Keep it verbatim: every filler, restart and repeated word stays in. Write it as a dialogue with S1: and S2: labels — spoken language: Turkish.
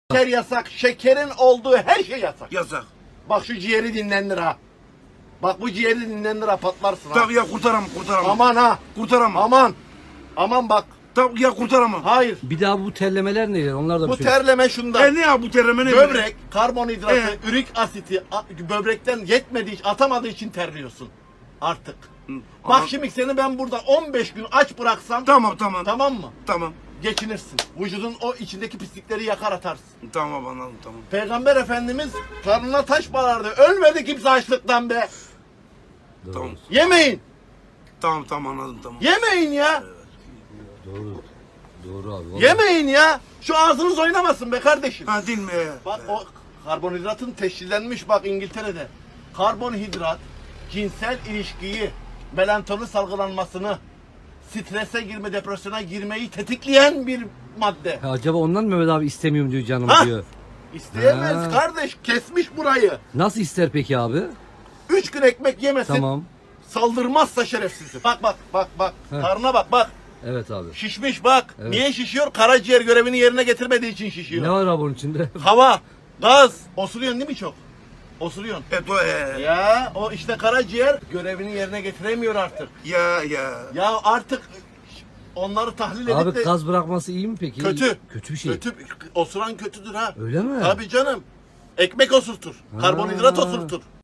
S1: Şeker yasak. Şekerin olduğu her şey yasak.
S2: Yasak.
S1: Bak şu ciğeri dinlendir ha. Bak bu ciğeri dinlendir ha, patlarsın ha.
S2: Tabii ya kurtaramam kurtaramam.
S1: Aman ha.
S2: Kurtaramam.
S1: Aman. Aman bak.
S2: Tabii ya kurtaramam.
S1: Hayır.
S3: Bir daha bu terlemeler neler? Onlar da
S1: Bu
S3: bir şey.
S1: terleme şundan.
S2: E ne ya bu terleme ne?
S1: Böbrek, karbonhidratı,
S2: Evet.
S1: ürik asiti a- böbrekten yetmediği için, atamadığı için terliyorsun. Artık. Bak
S2: Ama-
S1: şimdi seni ben burada on beş gün aç bıraksam
S2: Tamam tamam.
S1: tamam mı?
S2: Tamam.
S1: Geçinirsin. Vücudun o içindeki pislikleri yakar atarsın.
S2: Tamam anladım tamam.
S1: Peygamber Efendimiz karnına taş bağlardı. Ölmedi kimse açlıktan be.
S3: Doğru.
S2: Tamam.
S1: Yemeyin.
S2: Tamam tamam anladım tamam.
S1: Yemeyin ya.
S3: Doğru. Doğru abi. vallahi.
S1: Yemeyin ya. Şu ağzınız oynamasın be kardeşim.
S2: Ha değil mi?
S1: Bak o karbonhidratın teşhislenmiş bak İngiltere'de. Karbonhidrat cinsel ilişkiyi, melatonin salgılanmasını, strese girme, depresyona girmeyi tetikleyen bir madde.
S3: Ha, acaba ondan mı Mehmet abi istemiyorum diyor canım
S1: Ha?
S3: diyor.
S1: İsteyemez
S3: Ha.
S1: kardeş, kesmiş burayı.
S3: Nasıl ister peki abi?
S1: Üç gün ekmek yemesin,
S3: Tamam.
S1: saldırmazsa şerefsiz. Bak bak bak bak,
S3: Heh.
S1: karnına bak bak.
S3: Evet abi.
S1: Şişmiş bak.
S3: Evet.
S1: Niye şişiyor? Karaciğer görevini yerine getirmediği için şişiyor.
S3: Ne var abi onun içinde?
S1: Hava, gaz. Osuruyorsun değil mi çok? Osuruyorsun.
S2: Evet o e.
S1: Ya o işte karaciğer görevini yerine getiremiyor artık.
S2: Ya ya.
S1: Ya artık onları tahlil edip
S3: Abi
S1: de
S3: gaz bırakması iyi mi peki?
S1: kötü.
S3: Kötü bir şey.
S1: Kötü. Osuran kötüdür ha.
S3: Öyle mi?
S1: Tabii canım. Ekmek osurtur.
S3: Ha.
S1: Karbonhidrat osurtur.